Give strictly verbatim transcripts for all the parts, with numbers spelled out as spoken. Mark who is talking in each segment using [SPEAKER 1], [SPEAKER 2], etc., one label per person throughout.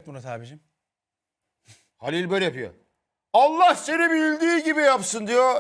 [SPEAKER 1] Murat abicim.
[SPEAKER 2] Halil böyle yapıyor. Allah seni bildiği gibi yapsın diyor.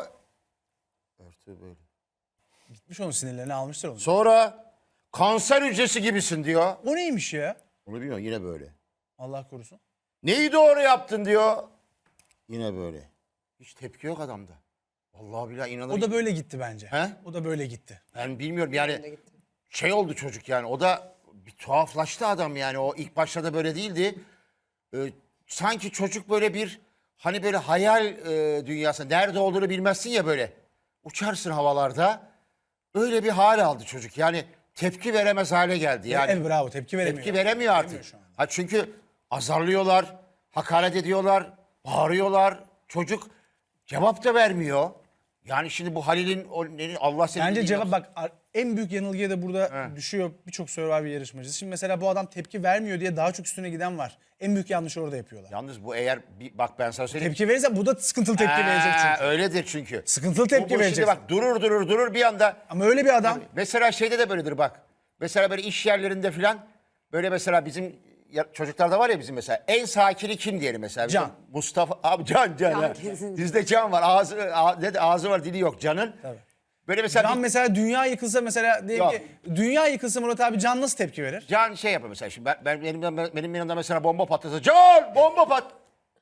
[SPEAKER 2] Örtü böyle.
[SPEAKER 1] Gitmiş onun sinirlerini almıştır onu.
[SPEAKER 2] Sonra kanser hücresi gibisin diyor.
[SPEAKER 1] O neymiş ya?
[SPEAKER 2] Onu bilmiyorum, yine böyle.
[SPEAKER 1] Allah korusun.
[SPEAKER 2] Neyi doğru yaptın diyor. Yine böyle. Hiç tepki yok adamda. Vallahi billahi inanır.
[SPEAKER 1] O da böyle gitti bence.
[SPEAKER 2] He?
[SPEAKER 1] O da böyle gitti.
[SPEAKER 2] Ben bilmiyorum yani şey oldu çocuk yani, o da bir tuhaflaştı adam yani, o ilk başta da böyle değildi. Ee, sanki çocuk böyle bir hani böyle hayal e, dünyası, nerede olduğunu bilmezsin ya, böyle uçarsın havalarda, öyle bir hal aldı çocuk yani, tepki veremez hale geldi yani.
[SPEAKER 1] Evet, bravo, tepki veremiyor.
[SPEAKER 2] Tepki veremiyor artık.
[SPEAKER 1] Veremiyor şu anda.
[SPEAKER 2] Ha, çünkü azarlıyorlar, hakaret ediyorlar, bağırıyorlar, çocuk cevap da vermiyor. Yani şimdi bu Halil'in o, ne- Allah seni
[SPEAKER 1] Bence
[SPEAKER 2] bildiği
[SPEAKER 1] cevap
[SPEAKER 2] yapsın.
[SPEAKER 1] bak ar- en büyük yanılgıya da burada
[SPEAKER 2] He.
[SPEAKER 1] düşüyor birçok Survivor yarışmacısı. Şimdi mesela bu adam tepki vermiyor diye daha çok üstüne giden var. En büyük yanlışı orada yapıyorlar.
[SPEAKER 2] Yalnız bu eğer bir, bak ben sana söyleyeyim.
[SPEAKER 1] Tepki verirse bu da sıkıntılı tepki
[SPEAKER 2] Ha,
[SPEAKER 1] verecek çünkü.
[SPEAKER 2] Öyledir çünkü.
[SPEAKER 1] Sıkıntılı
[SPEAKER 2] Bu-
[SPEAKER 1] tepki
[SPEAKER 2] bu
[SPEAKER 1] verecek.
[SPEAKER 2] Şimdi bak durur durur durur bir anda.
[SPEAKER 1] Ama öyle bir adam.
[SPEAKER 2] Mesela şeyde de böyledir bak. Mesela böyle iş yerlerinde filan böyle, mesela bizim ya- çocuklarda var ya, bizim mesela en sakini kim diyelim mesela. Bizim
[SPEAKER 1] Can.
[SPEAKER 2] Mustafa abi, Can Can.
[SPEAKER 3] Can
[SPEAKER 2] ha.
[SPEAKER 3] kesinlikle.
[SPEAKER 2] Bizde Can var. Ağzı a- dedi ağzı var, dili yok Can'ın.
[SPEAKER 1] Tabii.
[SPEAKER 2] Böyle mesela
[SPEAKER 1] Can
[SPEAKER 2] bir-
[SPEAKER 1] mesela dünya yıkılsa mesela diyelim
[SPEAKER 2] Yok.
[SPEAKER 1] ki dünya yıkılsa Murat abi Can nasıl tepki verir?
[SPEAKER 2] Can şey yapıyor mesela, şimdi ben, ben benim, benim yanımda mesela bomba patlasa, Can bomba pat.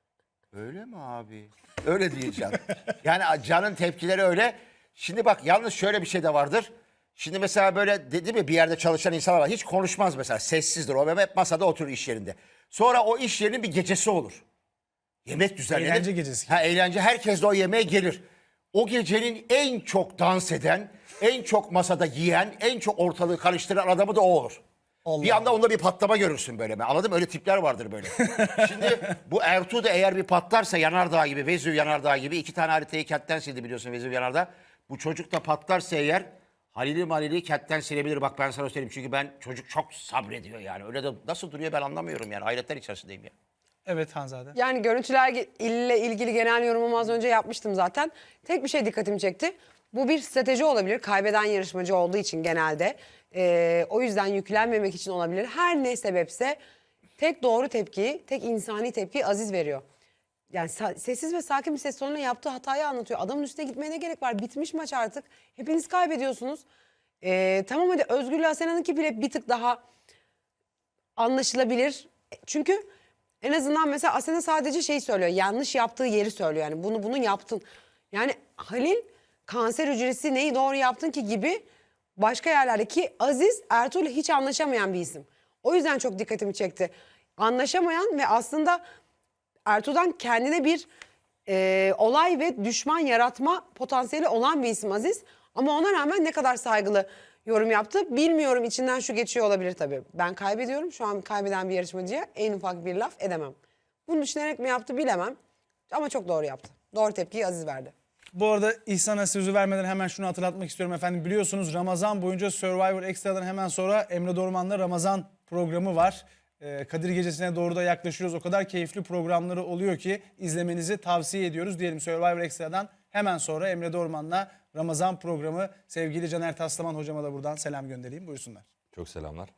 [SPEAKER 2] Öyle mi abi? Öyle değil Can. Yani Can'ın tepkileri öyle. Şimdi bak yalnız şöyle bir şey de vardır. Şimdi mesela böyle dedi mi, bir yerde çalışan insanlar var. Hiç konuşmaz mesela, sessizdir. O hep masada oturur iş yerinde. Sonra o iş yerinin bir gecesi olur. Yemek düzenlenir.
[SPEAKER 1] Eğlence gecesi.
[SPEAKER 2] Ha, eğlence. Herkes de o yemeğe gelir. O gecenin en çok dans eden, en çok masada yiyen, en çok ortalığı karıştıran adamı da o olur.
[SPEAKER 1] Allah
[SPEAKER 2] bir anda onda bir patlama görürsün böyle. Anladın mı? Öyle tipler vardır böyle. Şimdi bu Ertuğ da eğer bir patlarsa, yanardağ gibi, Vezüv yanardağ gibi, iki tane haritayı kentten sildi biliyorsun, Vezüv yanardağ. Bu çocuk da patlarsa eğer Halil'i Malil'i kentten silebilir. Bak ben sana söyleyeyim, çünkü ben çocuk çok sabrediyor yani. Öyle de nasıl duruyor ben anlamıyorum yani. Hayretler içerisindeyim ya.
[SPEAKER 1] Evet Hanzade.
[SPEAKER 3] Yani görüntüler ile ilgili genel yorumumu az önce yapmıştım zaten. Tek bir şey dikkatimi çekti. Bu bir strateji olabilir. Kaybeden yarışmacı olduğu için genelde. Ee, o yüzden yüklenmemek için olabilir. Her ne sebepse tek doğru tepkiyi, tek insani tepkiyi Aziz veriyor. Yani sa- sessiz ve sakin bir ses tonuyla yaptığı hatayı anlatıyor. Adamın üstüne gitmeye ne gerek var? Bitmiş maç artık. Hepiniz kaybediyorsunuz. Ee, tamam hadi Özgür'le Asena'nınki bile bir tık daha anlaşılabilir. Çünkü en azından mesela Asena sadece şey söylüyor. Yanlış yaptığı yeri söylüyor. Yani bunu bunu yaptın. Yani Halil kanser hücresi neyi doğru yaptın ki gibi başka yerlerdeki Aziz Ertuğrul'la hiç anlaşamayan bir isim. O yüzden çok dikkatimi çekti. Anlaşamayan ve aslında Ertuğ'dan kendine bir e, olay ve düşman yaratma potansiyeli olan bir isim Aziz. Ama ona rağmen ne kadar saygılı yorum yaptı bilmiyorum, içinden şu geçiyor olabilir tabii. Ben kaybediyorum, şu an kaybeden bir yarışmacıya en ufak bir laf edemem. Bunu düşünerek mi yaptı bilemem ama çok doğru yaptı. Doğru tepkiyi Aziz verdi.
[SPEAKER 1] Bu arada İhsan'a sözü vermeden hemen şunu hatırlatmak istiyorum efendim. Biliyorsunuz Ramazan boyunca Survivor Extra'dan hemen sonra Emre Dorman'la Ramazan programı var. Ee, Kadir Gecesi'ne doğru da yaklaşıyoruz. O kadar keyifli programları oluyor ki izlemenizi tavsiye ediyoruz. Diyelim Survivor Extra'dan hemen sonra Emre Dorman'la Ramazan programı. Sevgili Caner Taslaman hocama da buradan selam göndereyim. Buyursunlar.
[SPEAKER 4] Çok selamlar.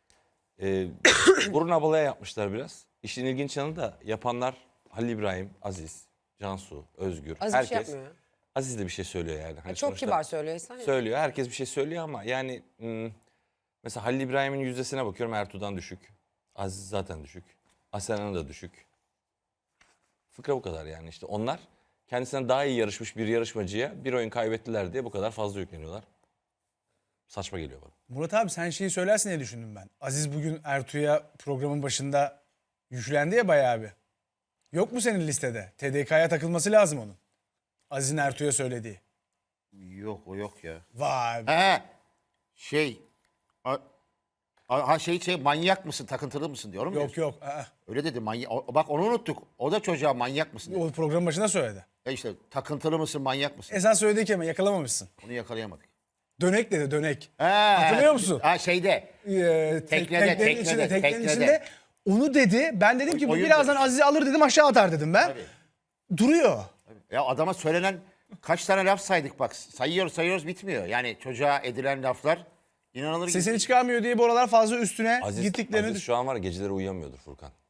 [SPEAKER 4] Ee, burun abalaya yapmışlar biraz. İşin ilginç yanı da yapanlar Halil İbrahim, Aziz, Cansu, Özgür.
[SPEAKER 3] Aziz bir
[SPEAKER 4] herkes,
[SPEAKER 3] şey yapmıyor ya.
[SPEAKER 4] Aziz de bir şey söylüyor yani. Hani
[SPEAKER 3] Çok
[SPEAKER 4] sonuçta
[SPEAKER 3] kibar söylüyor İhsan.
[SPEAKER 4] Söylüyor. Herkes bir şey söylüyor ama yani hmm, mesela Halil İbrahim'in yüzdesine bakıyorum, Ertuğ'dan düşük. Aziz zaten düşük. Asena'nın da düşük. Fıkra bu kadar yani işte. Onlar kendisinden daha iyi yarışmış bir yarışmacıya bir oyun kaybettiler diye bu kadar fazla yükleniyorlar. Saçma geliyor bana.
[SPEAKER 1] Murat abi sen şeyi söylersin diye düşündüm ben. Aziz bugün Ertuğ'a programın başında yüklendi ya bayağı bir. Yok mu senin listede? T D K'ya takılması lazım onun. Aziz'in Ertuğ'a söylediği.
[SPEAKER 2] Yok o yok ya.
[SPEAKER 1] Vay be.
[SPEAKER 2] He şey a- a- ha şey şey manyak mısın, takıntılı mısın diyorum.
[SPEAKER 1] Yok yok. Aa,
[SPEAKER 2] Öyle dedi manyak. o- Bak onu unuttuk. O da çocuğa manyak mısın dedi.
[SPEAKER 1] o programın başında söyledi.
[SPEAKER 2] E işte takıntılı mısın, manyak mısın?
[SPEAKER 1] Esas söylediği kelime yakalamamışsın.
[SPEAKER 2] Onu yakalayamadık.
[SPEAKER 1] Dönek dedi dönek.
[SPEAKER 2] He,
[SPEAKER 1] Hatırlıyor musun?
[SPEAKER 2] Ha şeyde.
[SPEAKER 1] Ee, tek-
[SPEAKER 2] Teknede,
[SPEAKER 1] teknenin
[SPEAKER 2] teknede,
[SPEAKER 1] içinde, teknenin
[SPEAKER 2] teknede.
[SPEAKER 1] içinde onu dedi. Ben dedim ki bu
[SPEAKER 2] Oyun
[SPEAKER 1] birazdan
[SPEAKER 2] demiş.
[SPEAKER 1] Aziz'i alır dedim aşağı atar dedim ben.
[SPEAKER 2] Tabii.
[SPEAKER 1] Duruyor.
[SPEAKER 2] Ya adama söylenen kaç tane laf saydık bak. Sayıyoruz sayıyoruz bitmiyor. Yani çocuğa edilen laflar inanılır gibi.
[SPEAKER 1] Sesini çıkarmıyor diye bu aralar fazla üstüne
[SPEAKER 4] Aziz,
[SPEAKER 1] gittiklerini
[SPEAKER 4] Aziz
[SPEAKER 1] düş-
[SPEAKER 4] şu an var ya, geceleri uyuyamıyordur Furkan.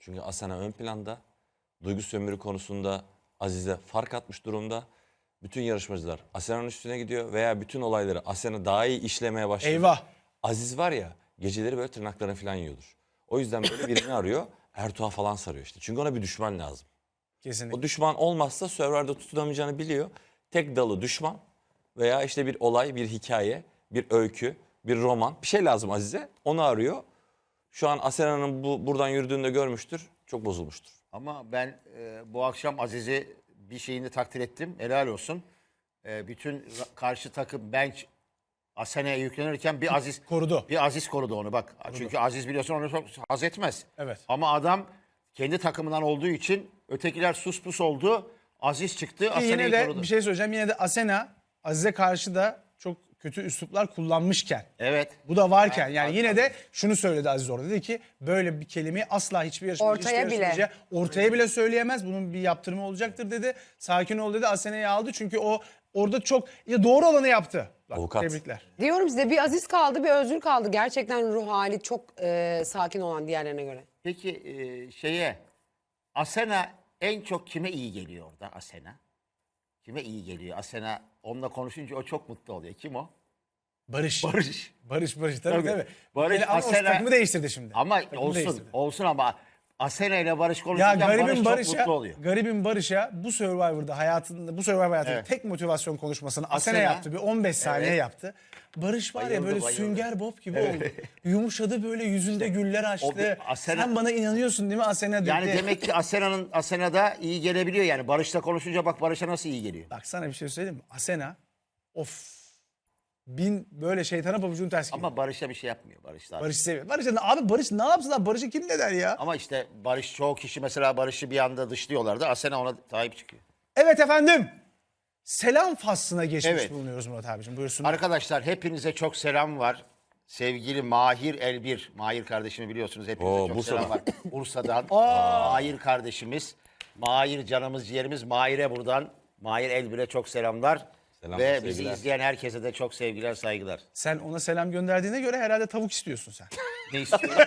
[SPEAKER 4] Çünkü Asena ön planda. Duygu sömürü konusunda Azize fark atmış durumda. Bütün yarışmacılar Asena'nın üstüne gidiyor veya bütün olayları Asena daha iyi işlemeye başladı.
[SPEAKER 1] Eyvah.
[SPEAKER 4] Aziz var ya geceleri böyle tırnaklarını falan yiyordur. O yüzden böyle birini arıyor. Ertuğ'a falan sarıyor işte. Çünkü ona bir düşman lazım.
[SPEAKER 1] Kesinlikle.
[SPEAKER 4] O düşman olmazsa Survivor'da tutunamayacağını biliyor. Tek dalı düşman veya işte bir olay, bir hikaye, bir öykü, bir roman. Bir şey lazım Azize. Onu arıyor. Şu an Asena'nın bu buradan yürüdüğünde görmüştür. Çok bozulmuştur.
[SPEAKER 2] Ama ben e, bu akşam Aziz'i bir şeyini takdir ettim. Helal olsun. E, bütün ra- karşı takım bench Asena'ya yüklenirken bir Aziz
[SPEAKER 1] Korudu.
[SPEAKER 2] Bir Aziz korudu onu bak. Çünkü Aziz biliyorsun onu çok haz etmez.
[SPEAKER 1] Evet.
[SPEAKER 2] Ama adam kendi takımından olduğu için ötekiler sus pus oldu. Aziz çıktı,
[SPEAKER 1] Ki yine
[SPEAKER 2] Asena'yı
[SPEAKER 1] de
[SPEAKER 2] korudu.
[SPEAKER 1] bir şey söyleyeceğim. Yine de Asena Aziz'e karşı da çok kötü üsluplar kullanmışken.
[SPEAKER 2] Evet.
[SPEAKER 1] Bu da varken yani yine de şunu söyledi Aziz orada. Dedi ki böyle bir kelimeyi asla hiçbir yarışmacı,
[SPEAKER 3] Ortaya
[SPEAKER 1] hiçbir
[SPEAKER 3] bile.
[SPEAKER 1] yarışmacıya ortaya bile söyleyemez. Bunun bir yaptırımı olacaktır dedi. Sakin ol dedi. Asena'yı aldı çünkü o orada çok ya doğru olanı yaptı. Bak,
[SPEAKER 4] Avukat.
[SPEAKER 1] Tebrikler.
[SPEAKER 3] Diyorum size bir Aziz kaldı bir Özgür kaldı. Gerçekten ruh hali çok e, sakin olan diğerlerine göre.
[SPEAKER 2] Peki e, şeye Asena en çok kime iyi geliyor orada Asena? Kime iyi geliyor? Asena onunla konuşunca o çok mutlu oluyor. Kim o?
[SPEAKER 1] Barış.
[SPEAKER 2] Barış.
[SPEAKER 1] Barış Barış tabii
[SPEAKER 2] Tabii.
[SPEAKER 1] tabii.
[SPEAKER 2] Barış,
[SPEAKER 1] Yani ama o
[SPEAKER 2] Asena-
[SPEAKER 1] takımı değiştirdi şimdi.
[SPEAKER 2] Ama
[SPEAKER 1] Takımı
[SPEAKER 2] olsun,
[SPEAKER 1] değiştirdi.
[SPEAKER 2] olsun ama Asena ile Barış
[SPEAKER 1] Ya
[SPEAKER 2] konuşurken Barış
[SPEAKER 1] garibin
[SPEAKER 2] çok
[SPEAKER 1] Barış'a,
[SPEAKER 2] mutlu oluyor.
[SPEAKER 1] garibin Barış'a bu Survivor'da hayatında, bu Survivor hayatında
[SPEAKER 2] Evet.
[SPEAKER 1] tek motivasyon konuşmasını Asena,
[SPEAKER 2] Asena.
[SPEAKER 1] yaptı. Bir on beş saniye
[SPEAKER 2] Evet.
[SPEAKER 1] yaptı. Barış var ya
[SPEAKER 2] Bayıldı,
[SPEAKER 1] böyle
[SPEAKER 2] bayıldı.
[SPEAKER 1] sünger bob gibi oldu. Yumuşadı böyle yüzünde güller açtı.
[SPEAKER 2] bir Asena-
[SPEAKER 1] Sen bana inanıyorsun değil mi Asena dedi.
[SPEAKER 2] Yani demek ki Asena'nın Asena'da iyi gelebiliyor yani. Barış'la konuşunca bak Barış'a nasıl iyi geliyor.
[SPEAKER 1] Bak sana bir şey söyleyeyim mi? Asena of bin böyle şeytana pabucunu ters giyiyor.
[SPEAKER 2] Ama Barış'a bir şey yapmıyor. Barış daha.
[SPEAKER 1] Barış seviyor. Barış abi Barış ne yapsın lan? Barış'ı kim ne der ya?
[SPEAKER 2] Ama işte Barış çoğu kişi mesela Barış'ı bir anda dışlıyorlardı. Asena ona sahip çıkıyor.
[SPEAKER 1] Evet efendim. Selam faslına geçmiş
[SPEAKER 2] Evet.
[SPEAKER 1] bulunuyoruz Murat abicim. Buyursun.
[SPEAKER 2] Arkadaşlar hepinize çok selam var. Sevgili Mahir Elbir. Mahir kardeşimi biliyorsunuz. Hepinize
[SPEAKER 4] Oo,
[SPEAKER 2] çok
[SPEAKER 4] Bursa'dan.
[SPEAKER 2] selam var. Bursa'dan. Mahir kardeşimiz. Mahir canımız ciğerimiz. Mahir'e buradan. Mahir Elbir'e çok selamlar.
[SPEAKER 4] Selamlar,
[SPEAKER 2] Ve bizi
[SPEAKER 4] sevgiler.
[SPEAKER 2] izleyen herkese de çok sevgiler, saygılar.
[SPEAKER 1] Sen ona selam gönderdiğine göre herhalde tavuk istiyorsun sen.
[SPEAKER 2] Ne istiyor?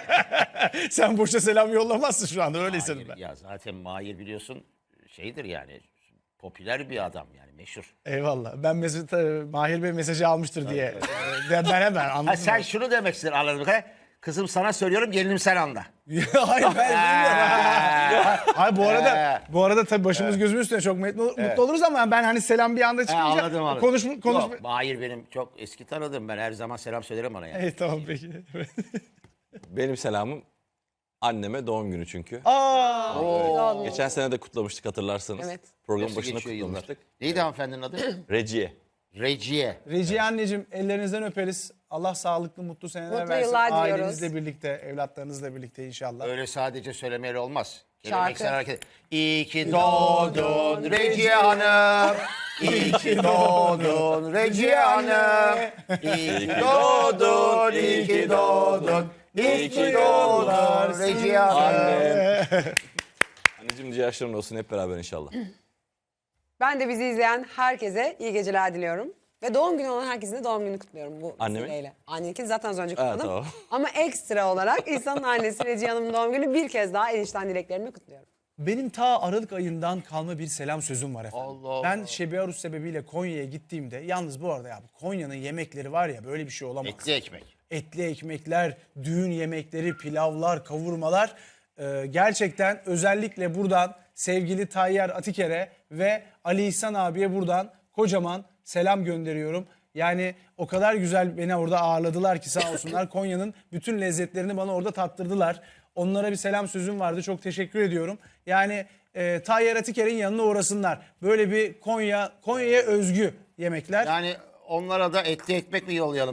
[SPEAKER 1] Sen boşa selam yollamazsın şu anda öyle hissediyorum
[SPEAKER 2] Mahir,
[SPEAKER 1] ben.
[SPEAKER 2] ya zaten Mahir biliyorsun şeydir yani. Popüler bir adam yani meşhur.
[SPEAKER 1] Eyvallah. Ben mesaj, Mahir Bey mesajı almıştır diye. Ee, Ben, ben hemen anladım.
[SPEAKER 2] Ha, sen şunu demek istedin anladığım kadarıyla. Kızım sana söylüyorum gelinim sen anla.
[SPEAKER 1] Hayır ben bilmiyorum. Hayır bu arada bu arada tabii başımız gözümüz üstüne çok mutlu, mutlu oluruz ama ben hani selam bir anda
[SPEAKER 2] He,
[SPEAKER 1] çıkınca
[SPEAKER 2] anladım anladım.
[SPEAKER 1] konuş konuş.
[SPEAKER 2] Yok, Mahir benim çok eski tanıdığım. Ben her zaman selam söylerim ona yani.
[SPEAKER 1] İyi tamam peki.
[SPEAKER 4] Benim selamım anneme doğum günü çünkü.
[SPEAKER 1] Aa,
[SPEAKER 4] Geçen sene de kutlamıştık hatırlarsanız.
[SPEAKER 3] Evet.
[SPEAKER 4] Program
[SPEAKER 2] Nasıl
[SPEAKER 4] başında
[SPEAKER 2] geçiyor yıllar?
[SPEAKER 4] kutlamıştık.
[SPEAKER 2] Neydi hanımefendinin adı?
[SPEAKER 4] Reciye.
[SPEAKER 2] Reciye.
[SPEAKER 1] Reciye anneciğim ellerinizden öperiz. Allah sağlıklı mutlu seneler
[SPEAKER 3] Mutlu
[SPEAKER 1] versin.
[SPEAKER 3] yıllar diliyoruz.
[SPEAKER 1] Ailenizle birlikte, evlatlarınızla birlikte inşallah.
[SPEAKER 2] Öyle sadece söylemeyle olmaz.
[SPEAKER 3] Şarkı.
[SPEAKER 2] Geleneksel hareket. İyi ki doğdun Reciye Hanım. İyi ki doğdun Reciye Hanım. İyi ki doğdun, iyi ki doğdun. İyi ki doğdun Reciye Hanım.
[SPEAKER 4] Annem. Anneciğim nice yaşların olsun hep beraber inşallah.
[SPEAKER 3] Ben de bizi izleyen herkese iyi geceler diliyorum. Ve doğum günü olan herkesin de doğum gününü kutluyorum bu
[SPEAKER 4] Annemin?
[SPEAKER 3] vesileyle. Anneninki zaten az önce
[SPEAKER 4] Ha,
[SPEAKER 3] kutladım.
[SPEAKER 4] tamam.
[SPEAKER 3] Ama ekstra olarak İhsan'ın annesi Reciye Hanım'ın doğum günü bir kez daha en içten dileklerimi kutluyorum.
[SPEAKER 1] Benim ta Aralık ayından kalma bir selam sözüm var efendim.
[SPEAKER 2] Allah Allah.
[SPEAKER 1] Ben Şebi Arus sebebiyle Konya'ya gittiğimde yalnız bu arada ya Konya'nın yemekleri var ya böyle bir şey olamaz.
[SPEAKER 2] Etli ekmek.
[SPEAKER 1] Etli ekmekler, düğün yemekleri, pilavlar, kavurmalar. Ee, gerçekten özellikle buradan sevgili Tayyar Atiker'e ve Ali İhsan abiye buradan kocaman selam gönderiyorum. Yani o kadar güzel beni orada ağırladılar ki sağ olsunlar. Konya'nın bütün lezzetlerini bana orada tattırdılar. Onlara bir selam sözüm vardı. Çok teşekkür ediyorum. Yani e, Tayyar Atiker'in yanına uğrasınlar. Böyle bir Konya, Konya'ya özgü yemekler.
[SPEAKER 2] Yani onlara da etli ekmek mi yollayalım?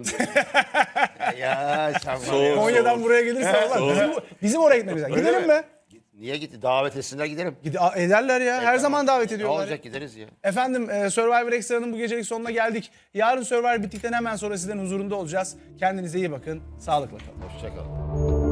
[SPEAKER 2] ya sen var ya.
[SPEAKER 4] Soğuk.
[SPEAKER 1] Konya'dan buraya gelirse Allah. Bizim, bizim oraya gitmemiz lazım.
[SPEAKER 2] Öyle
[SPEAKER 1] Gidelim
[SPEAKER 2] mi?
[SPEAKER 1] mi?
[SPEAKER 2] Niye gitti? Davet etsinler gidelim.
[SPEAKER 1] Gide a- ederler ya. Her zaman davet
[SPEAKER 2] Ne
[SPEAKER 1] ediyorlar.
[SPEAKER 2] olacak gideriz ya.
[SPEAKER 1] Efendim e, Survivor Extra'nın bu gecelik sonuna geldik. Yarın Survivor bittikten hemen sonra sizlerin huzurunda olacağız. Kendinize iyi bakın. Sağlıkla kalın.
[SPEAKER 2] Hoşçakalın.